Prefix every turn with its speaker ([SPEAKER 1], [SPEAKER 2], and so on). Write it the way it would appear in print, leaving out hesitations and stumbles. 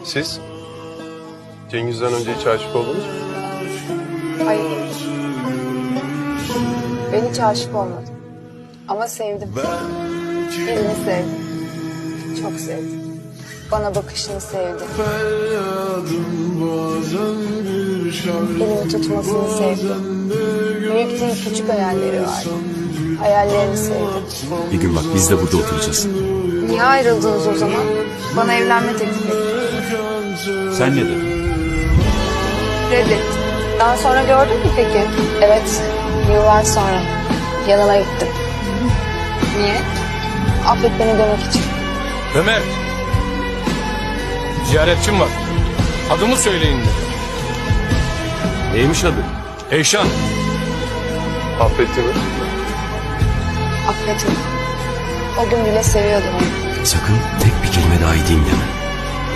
[SPEAKER 1] Siz? Cengiz'den önce hiç aşık oldunuz mu?
[SPEAKER 2] Hayır. Ben hiç aşık olmadım. Ama sevdim. Birini sevdim. Çok sevdim. Bana bakışını sevdim. Elimi tutmasını sevdim. Büyük değil küçük hayalleri vardı. Hayallerini sevdim.
[SPEAKER 3] Bir gün bak biz de burada oturacağız.
[SPEAKER 2] Niye ayrıldınız o zaman? Bana evlenme teklif etti.
[SPEAKER 3] Sen ne dedin?
[SPEAKER 2] Reddettim. Daha sonra gördün mü peki? Evet. Yıllar sonra. Yanına gittim. Niye? Affet beni demek için.
[SPEAKER 4] Ömer. Ziyaretçim var. Adımı söyleyin dedi.
[SPEAKER 3] Neymiş adı?
[SPEAKER 4] Eyşan.
[SPEAKER 1] Affetti mi?
[SPEAKER 2] Affetme. O gün bile seviyordum onu.
[SPEAKER 3] Sakın tek bir kelime daha edeyim deme.